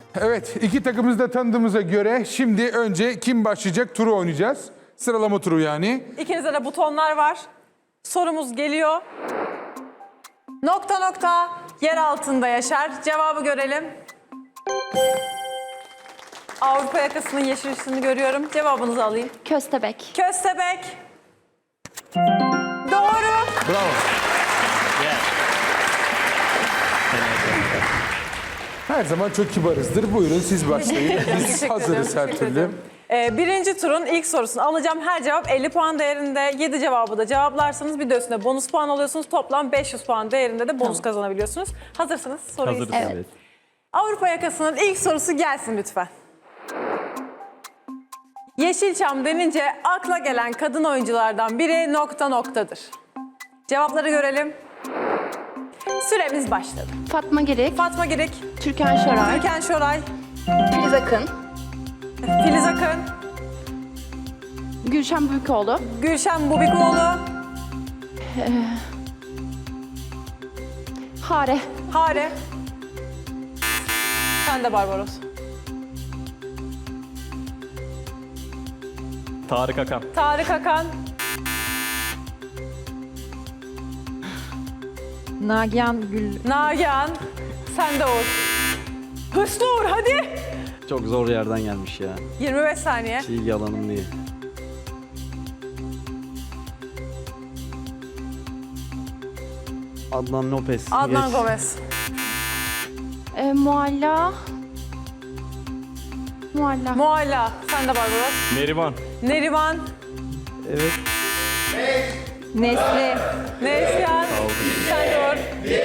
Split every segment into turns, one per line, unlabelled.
Evet, iki takımımızı da tanıdığımıza göre şimdi önce kim başlayacak turu oynayacağız. Sıralama turu yani.
İkinizde de butonlar var. Sorumuz geliyor. Nokta nokta yer altında yaşar. Cevabı görelim. Avrupa yakasının yeşil ışığını görüyorum. Cevabınızı alayım.
Köstebek.
Köstebek. Doğru.
Bravo. Her zaman çok kibarızdır. Buyurun siz başlayın. Biz
Teşekkür
hazırız
ederim,
her
teşekkür
türlü.
ederim. Birinci turun ilk sorusunu alacağım. Her cevap 50 puan değerinde. 7 cevabı da cevaplarsanız bir de üstüne bonus puan alıyorsunuz. Toplam 500 puan değerinde de bonus kazanabiliyorsunuz. Hazırsınız. Soruyu
Hazırız.
istedim.
Evet.
Avrupa yakasının ilk sorusu gelsin lütfen. Yeşilçam denince akla gelen kadın oyunculardan biri nokta noktadır. Cevapları görelim. Süremiz başladı.
Fatma Girik,
Fatma Girik,
Türkan Şoray,
Türkan Şoray,
Filiz Akın,
Filiz Akın,
Gülşen Büyükoğlu,
Gülşen Bubikoğlu,
Hare,
Hare. Sen de Barbaros.
Tarık Akan.
Tarık Akan,
Nagihan Gül.
Nagihan. Sen de Uğur. Hırslı Uğur hadi.
Çok zor yerden gelmiş ya.
25 saniye.
Hiç ilgi alanım değil. Adnan Lopez.
Adnan
Geç.
Gomez.
Mualla,
Mualla. Sen de Barbaros.
Neriman.
Neriman.
Evet.
Nesli.
Neslihan. Sen de Uğur.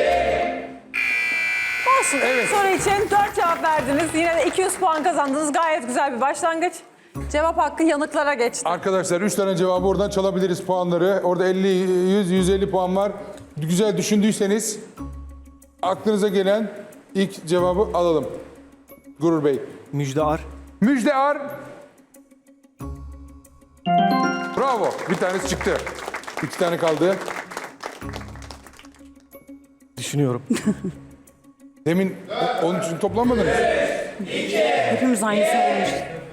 Olsun.
Evet.
Soru için 4 cevap verdiniz. Yine de 200 puan kazandınız. Gayet güzel bir başlangıç. Cevap hakkı yanıklara geçti.
Arkadaşlar 3 tane cevabı oradan çalabiliriz puanları. Orada 50, 100, 150 puan var. Güzel düşündüyseniz aklınıza gelen ilk cevabı alalım. Gurur Bey.
Müjde Ar.
Müjde Ar. Bravo. Bir tanesi çıktı. 2 tane kaldı.
Düşünüyorum.
Demin onun için toplanmadınız.
Hepimiz aynısını olmuş.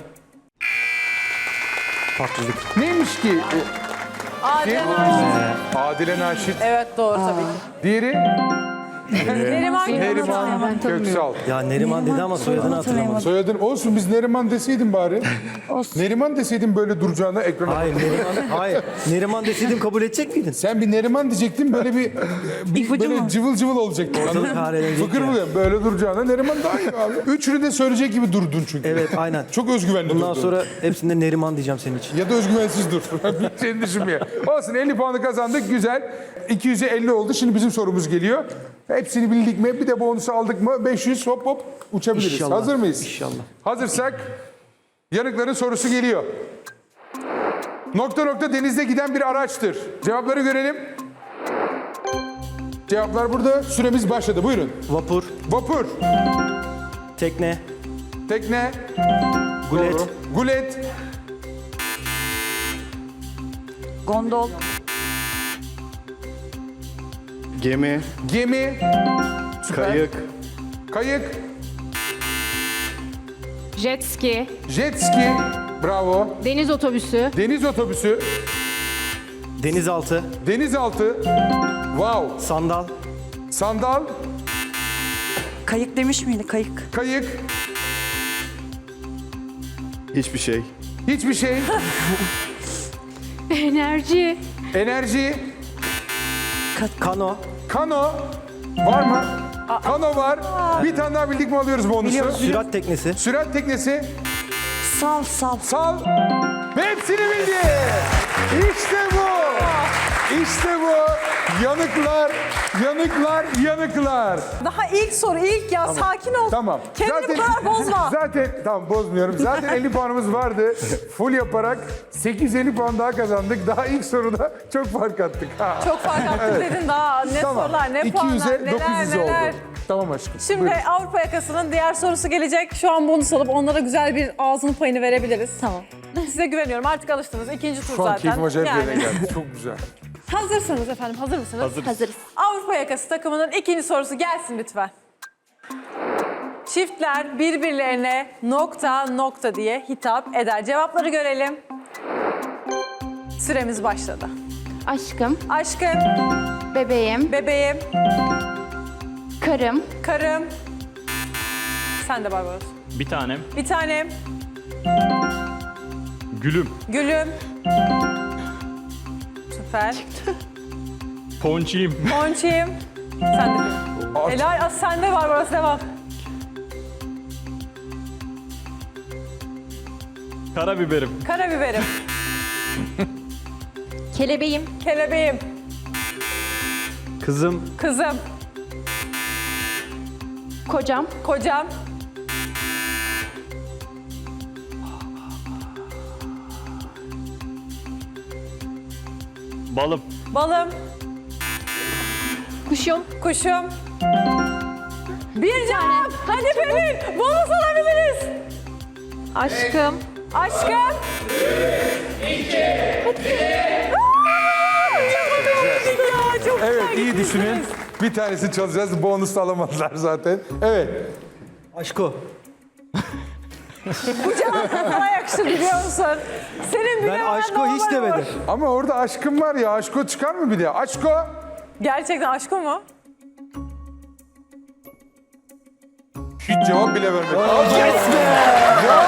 Tatlılık.
Neymiş ki?
Adile Naşit.
Adile Naşit.
Evet doğru tabii ki.
Diğeri
Neriman
Neriman Köksal.
Ya Neriman dedi ama soyadını hatırlamadım.
Soyadın olsun, biz Neriman deseydin bari. Neriman deseydin böyle duracağına ekrana.
Hayır Neriman, hayır. Neriman deseydim kabul edecek miydin?
Sen bir Neriman diyecektin, böyle bir böyle cıvıl cıvıl olacaktı.
Ortalık harelenecek
Fıkır
ya.
mı? Böyle duracağına Neriman daha iyi abi. Üçünü de söyleyecek gibi durdun çünkü.
Evet aynen.
Çok özgüvenli
Bundan
durdun.
sonra hepsinde Neriman diyeceğim senin için.
Ya da özgüvensiz dur. Seni düşünmeye. Olsun, 50 puanı kazandık. Güzel. 200'e 50 oldu. Şimdi bizim sorumuz geliyor. Hepsini bildik mi? Bir de bonusu aldık mı? 500 hop hop uçabiliriz.
İnşallah.
Hazır mıyız?
İnşallah.
Hazırsak yanıkların sorusu geliyor. Nokta nokta denizde giden bir araçtır. Cevapları görelim. Cevaplar burada. Süremiz başladı. Buyurun.
Vapur,
Vapur,
tekne,
tekne,
gulet,
doğru. Gulet,
Gondol.
Gemi,
gemi, süper.
kayık,
Kayık,
Jet ski,
jet ski, bravo.
deniz otobüsü,
Deniz otobüsü,
denizaltı,
denizaltı, wow.
sandal,
Sandal,
Kayık demiş miydi? Kayık.
kayık,
hiçbir şey,
hiçbir şey,
enerji,
enerji,
kano,
kano, var mı? Kano var. Bir tane daha bildik mi alıyoruz bonusu?
sürat teknesi,
Sürat teknesi,
Sal sal.
sal ve hepsini bildi. İşte bu. İşte bu. Yanıklar, yanıklar, yanıklar.
Daha ilk soru ilk ya. Sakin ol.
Tamam.
Kendini bu kadar bozma.
Zaten tamam, bozmuyorum. Zaten 50 puanımız vardı. Full yaparak 850 puan daha kazandık. Daha ilk soruda çok fark attık. Ha.
Çok fark attın dedin daha. Ne sorular, ne puanlar,
200'e
neler
900
neler.
oldu. Tamam aşkım.
Şimdi
Buyurun.
Avrupa yakasının diğer sorusu gelecek. Şu an bonus alıp onlara güzel bir ağzının payını verebiliriz.
Tamam.
Size güveniyorum. Artık alıştınız. İkinci tur
Şu an
zaten.
keyfim acayip yerine geldi. Çok güzel.
Hazırsınız efendim. Hazır mısınız?
hazırız.
Avrupa yakası takımının ikinci sorusu gelsin lütfen. çiftler birbirlerine nokta nokta diye hitap eder? Cevapları görelim. Süremiz başladı.
Aşkım,
Aşkım,
bebeğim,
bebeğim,
karım,
karım. Sen de Barbaros.
Bir tanem.
Bir tanem,
Gülüm.
gülüm. Süper.
Ponçiyim.
Ponçiyim. Sen de. Helal, sen de Barbaros, devam.
Karabiberim.
Karabiberim,
kelebeğim,
kelebeğim,
Kızım.
kızım,
kocam,
kocam,
Balım.
balım,
kuşum,
kuşum. Bir cevap. Hadi Pelin, bonus alabiliriz.
aşkım,
Aşkım. Çok
Evet,
güzel
iyi
gittiniz.
düşünün. Bir tanesini çalacağız. Bonus da alamazlar zaten. Evet.
Aşko.
Bu cevap sana yakışır biliyor musun? Senin
Ben aşko hiç demedim.
Ama orada aşkım var ya. Aşko çıkar mı bir de? Aşko.
Gerçekten aşkı mu?
Hiç cevap bile vermedi. Yes be! Ya!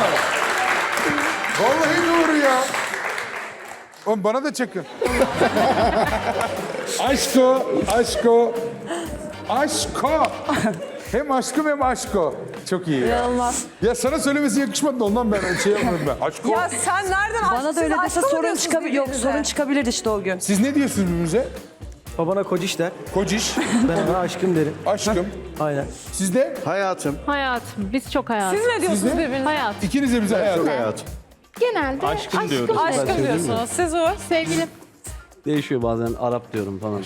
Vallahi doğru ya. Oğlum bana da çakın. Aşko, aşko, aşko. Hem aşkım hem aşko. Çok iyi ya.
İnanılmaz.
Ya sana söylemesi yakışmadı da ondan ben şey yapmadım ben. Aşko.
Ya sen nereden aşk?
Bana da öyle
siz
dese
aşkı mı
sorun
diyorsunuz
çıkabilir. Yok,
birbirinize?
sorun çıkabilir işte o gün.
Siz ne diyorsunuz birbirinize?
Babana kociş der.
Kociş,
Ben ona aşkım derim.
aşkım.
Aynen.
Siz de?
Hayatım.
Hayatım. Biz çok hayatım.
Siz ne diyorsunuz birbirinize?
Hayat.
İkiniz de bize hayat.
Çok hayatım.
genelde
Aşkım diyoruz.
Aşkım diyorsunuz. Siz o.
Sevgilim.
Değişiyor bazen Arap diyorum falan.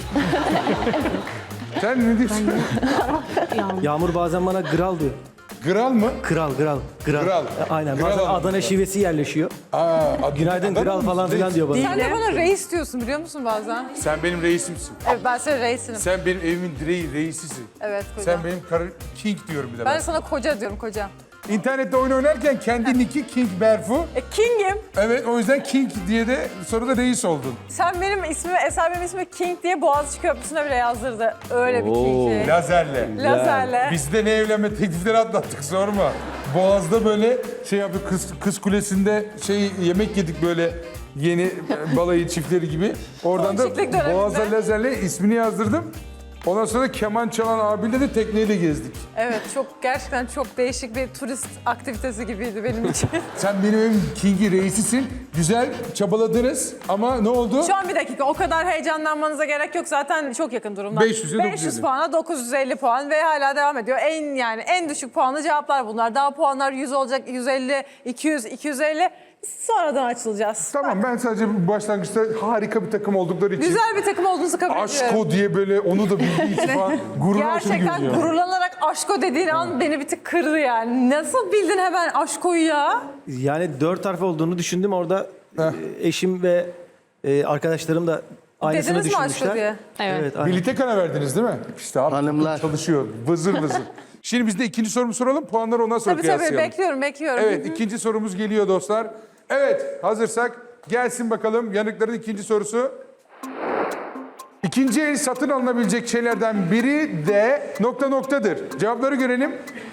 Sen ne diyorsun?
Yağmur bazen bana gral diyor.
Gral mı?
Kral.
Gral.
Aynen.
Gral
Bazen
ama.
Adana şivesi yerleşiyor.
Adana
Günaydın kral
mı?
falan filan diyor bana.
Sen de bana reis diyorsun biliyor musun bazen?
Sen benim reisimsin.
Evet, ben senin reisinim.
Sen benim evimin reisisin.
Evet koca.
Sen benim king diyorum bir de
Ben
ben.
de sana koca diyorum, koca.
İnternette oyun oynarken kendi nicki King Berfu.
King'im.
Evet, o yüzden King diye de sonra da reis oldun.
Sen benim ismimi, Eser benim ismimi King diye Boğaziçi Köprüsü'ne bile yazdırdı. Öyle bir King'i.
Lazerle.
Lazerle.
Biz de ne evlenme teklifleri atlattık, sorma. Boğaz'da böyle şey yaptık, kız kulesinde yemek yedik böyle yeni balayı çiftleri gibi. Oradan da
Gençlik döneminde.
Boğaz'da lazerle ismini yazdırdım. Ondan sonra keman çalan abiyle de tekneyle gezdik.
Evet, gerçekten çok değişik bir turist aktivitesi gibiydi benim için.
Sen benim evim King'i reisisin. Güzel çabaladınız ama ne oldu?
Şu an bir dakika, o kadar heyecanlanmanıza gerek yok. Zaten çok yakın durumda.
500'e
500
950.
puana 950 puan ve hala devam ediyor. En düşük puanlı cevaplar bunlar. Daha puanlar 100 olacak, 150, 200, 250. Sonradan açılacağız.
Tamam, ben sadece bu başlangıçta harika bir takım oldukları için
Güzel bir takım olduğunuzu kabul ediyorum.
Aşko diye böyle onu da bildiği için falan gururuna hoşuma
Gerçekten
gidiyor.
gururlanarak aşko dediğin an beni bir tık kırdı yani. Nasıl bildin hemen aşkoyu ya?
Yani 4 harf olduğunu düşündüm. Orada eşim ve arkadaşlarım da aynısını
Dediniz mi aşko
düşünmüşler.
diye?
Evet.
aynen.
Birlikte karar verdiniz değil mi? İşte abi,
Hanımlar.
çalışıyor vızır vızır. Şimdi biz de ikinci sorumu soralım, puanları ondan sonra
Tabii
kıyaslayalım.
bekliyorum.
Evet, ikinci sorumuz geliyor dostlar. Evet, hazırsak gelsin bakalım yanıkların ikinci sorusu. İkinci el satın alınabilecek şeylerden biri de nokta noktadır. Cevapları görelim.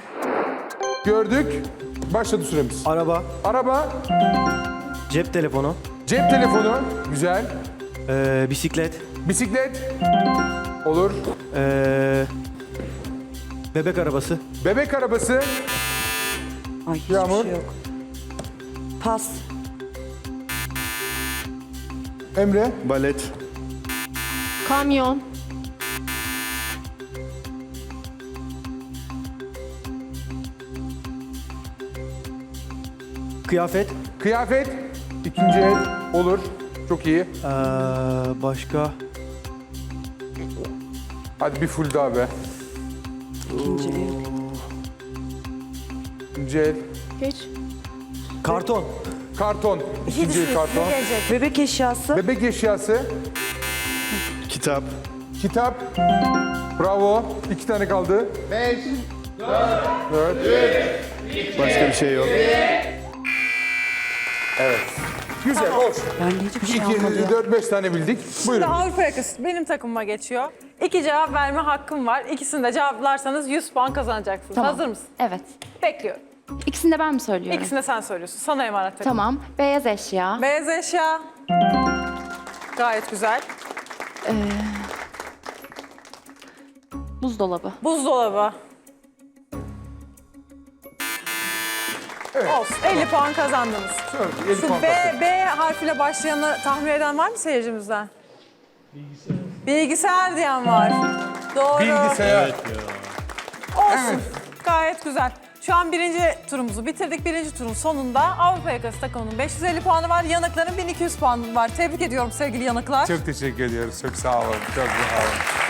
Gördük. Başladı süremiz.
Araba,
Araba,
cep telefonu,
cep telefonu, güzel.
bisiklet,
Bisiklet, olur.
bebek arabası,
Bebek arabası,
Ay hiçbir
Yağmur.
şey yok. Pas.
Emre,
Balet.
Kamyon.
kıyafet,
kıyafet, ikinci el, olur. Çok iyi.
başka
Hadi bir full daha be.
İkinci el.
İkinci el,
Geç.
karton,
karton, ikinci el karton.
Bebek eşyası.
Bebek eşyası,
Kitap.
kitap, bravo. 2 tane kaldı.
Başka bir şey yok.
Güzel, hoş.
Ben de hiçbir şey almadım.
4-5 tane bildik.
Şimdi
Buyurun.
Avrupa yakası benim takımıma geçiyor. 2 cevap verme hakkım var. İkisini de cevaplarsanız 100 puan kazanacaksınız.
Tamam.
Hazır mısın?
Evet.
Bekliyorum.
İkisini de ben mi söylüyorum?
İkisini de sen söylüyorsun. Sana emanet takım.
Tamam. Beyaz eşya.
Beyaz eşya. Gayet güzel.
Buzdolabı.
Buzdolabı. Olsun. 50 puan kazandınız.
Şöyle, 50
Şu
puan kaptın.
B harfiyle başlayanı tahmin eden var mı seyircimizden? Bilgisayar diyen var. Doğru.
Bilgisayar.
Olsun. Gayet güzel. Şu an birinci turumuzu bitirdik. Birinci turun sonunda Avrupa Yakası takımının 550 puanı var. Yanıkların 1200 puanı var. Tebrik ediyorum sevgili yanıklar.
Çok teşekkür ediyoruz. Çok sağ olun. Çok sağ olun.